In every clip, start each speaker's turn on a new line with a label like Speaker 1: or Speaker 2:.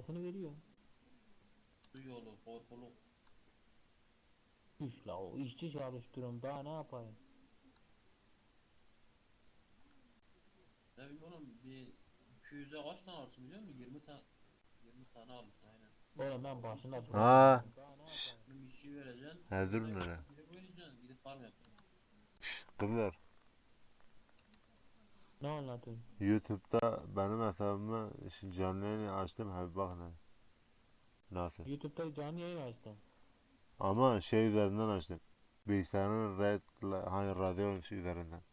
Speaker 1: parasını veriyor.
Speaker 2: Su yolu, korkuluk.
Speaker 1: İş la o işçi çalıştırıyorum daha ne yapayım?
Speaker 2: Ne bileyim oğlum bir 200'e kaç tane alırsın biliyor musun? 20 tane alırsın aynen.
Speaker 1: Oğlum ben başında
Speaker 3: Ha,
Speaker 1: duramıyorum daha ne
Speaker 3: şş,
Speaker 1: yapayım?
Speaker 2: Bir işçi vereceksin.
Speaker 3: he dur
Speaker 2: Orada
Speaker 3: nere?
Speaker 2: gidip oynayacaksın. Gidip farm yapacaksın.
Speaker 3: Kızlar,
Speaker 1: Ne anlatıyorsun?
Speaker 3: YouTube'da benim hesabıma şimdi canlı yayını açtım, he bak ne. Nasıl?
Speaker 1: YouTube'da canlı yayın açtım.
Speaker 3: Ama şey üzerinden açtım. Bilgisayarın hani radyo üzerinden.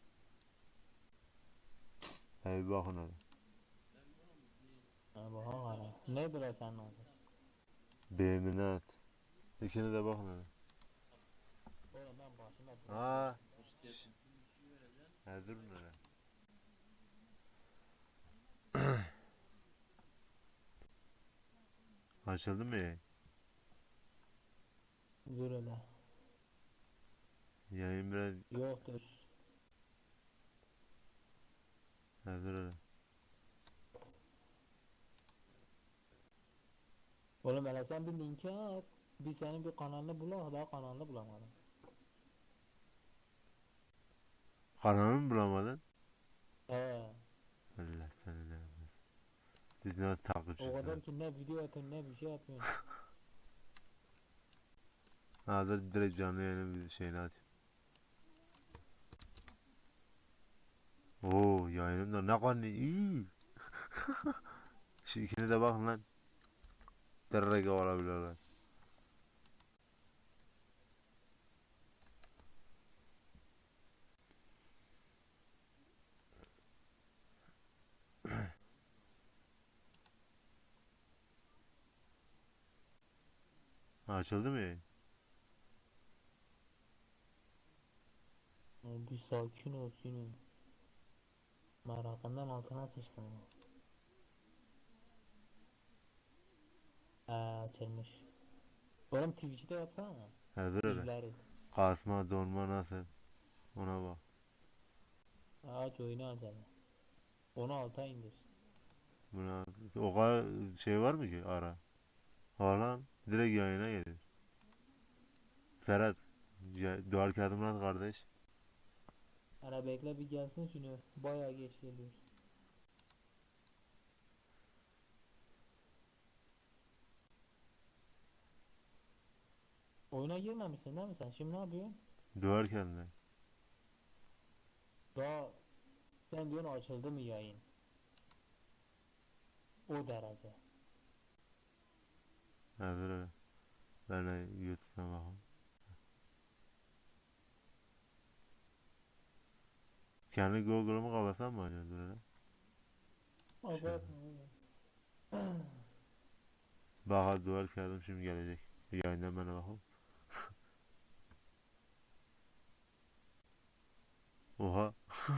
Speaker 3: He bakın hele.
Speaker 2: Ne bileyim oğlum bir
Speaker 1: Ha bak
Speaker 2: 200'e
Speaker 1: hala.
Speaker 2: kaç tane
Speaker 1: Nedir
Speaker 2: alırsın?
Speaker 1: o senin
Speaker 2: 20
Speaker 1: adın?
Speaker 2: tane.
Speaker 3: Beğenine İkini de bakın hele.
Speaker 1: Oğlum ben başında
Speaker 3: Ha,
Speaker 1: duramıyorum
Speaker 2: O
Speaker 1: daha ne
Speaker 2: siteye
Speaker 3: şş,
Speaker 1: yapayım?
Speaker 2: bir işçi vereceksin.
Speaker 3: he dur
Speaker 2: Orada
Speaker 3: nere?
Speaker 2: gideceksin.
Speaker 3: Açıldı mı yayın?
Speaker 1: Dur hele.
Speaker 3: Yayın biraz,
Speaker 1: Yoktur.
Speaker 3: he dur hele.
Speaker 1: Oğlum hele sen bir linki at. Bir senin bir kanalını bulak daha kanalını bulamadım.
Speaker 3: Kanalını mı bulamadın?
Speaker 1: He.
Speaker 3: Allah seni ne yapmasın. Biz ne
Speaker 1: O
Speaker 3: takipçisi.
Speaker 1: kadar ki ne video atıyorsun ne bir şey yapıyorsun.
Speaker 3: Ha dur direkt canlı yayının bir şeyini açayım. Oo yayınım da ne kadar iyi. Şu ikini de bakın lan. Direkt olabiliyorlar. Açıldı mı yayın?
Speaker 1: Bir sakin ol Sinu. Merakından altına sıçtım. Açılmış. Oğlum Twitch'te yapsana.
Speaker 3: Ha dur hele.
Speaker 1: İzleriz.
Speaker 3: Kasma donma nasıl? Ona bak.
Speaker 1: Aç oyunu aç hele. Onu alta indir.
Speaker 3: Buna o kadar şey var mı ki ara? Falan direkt yayına gelir. Serhat ya, duvar kağıdımı at kardeş.
Speaker 1: Hele bekle bir gelsin Sinu. Bayağı geç geliyor. Oyuna girmemişsin değil mi sen? Şimdi ne yapıyorsun?
Speaker 3: Duvar kağıdına.
Speaker 1: Daha sen diyorsun açıldı mı yayın? O derece.
Speaker 3: Ha dur hele. Ben de YouTube'dan bakayım. Kendi Google'ımı kapatsam mı acaba dur hele. Şöyle.
Speaker 1: Abartma oğlum.
Speaker 3: Bak duvar kağıdım şimdi gelecek. Yayından bana bakayım. Oha.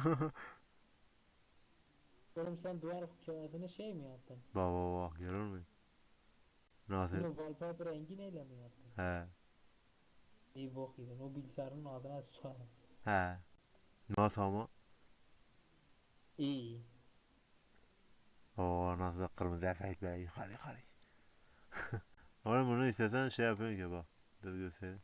Speaker 1: Oğlum sen duvar kağıdını şey mi yaptın?
Speaker 3: Bak bak bak görüyor musun? Nasıl?
Speaker 1: Bunu wallpaper rengi neyle mi yaptın?
Speaker 3: He.
Speaker 1: İyi bok yedin. O bilgisayarın adına sıçarım.
Speaker 3: He. Nasıl ama?
Speaker 1: İyi.
Speaker 3: Oo nasıl kırmızı efekt be yukarı yukarı. Oğlum bunu istesen şey yapıyorsun ki bak. Dur göstereyim.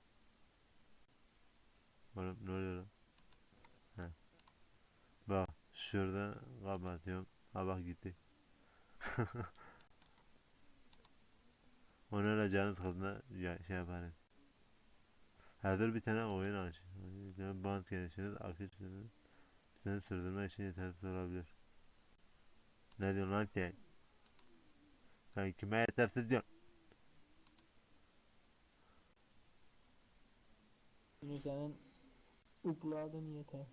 Speaker 3: Oğlum ne oluyor lan? He. Bak şurada kapatıyorum. Ha bak gitti. Onu öyle canı sıkıldığında ya, şey yaparım. Ha dur bir tane oyun aç. Bir tane band gelişiniz aktif seni sürdürmek için yetersiz olabilir. Ne diyorsun lan sen? Sen kime yetersiz diyorsun?
Speaker 1: Şimdi senin upload'ın yetersiz.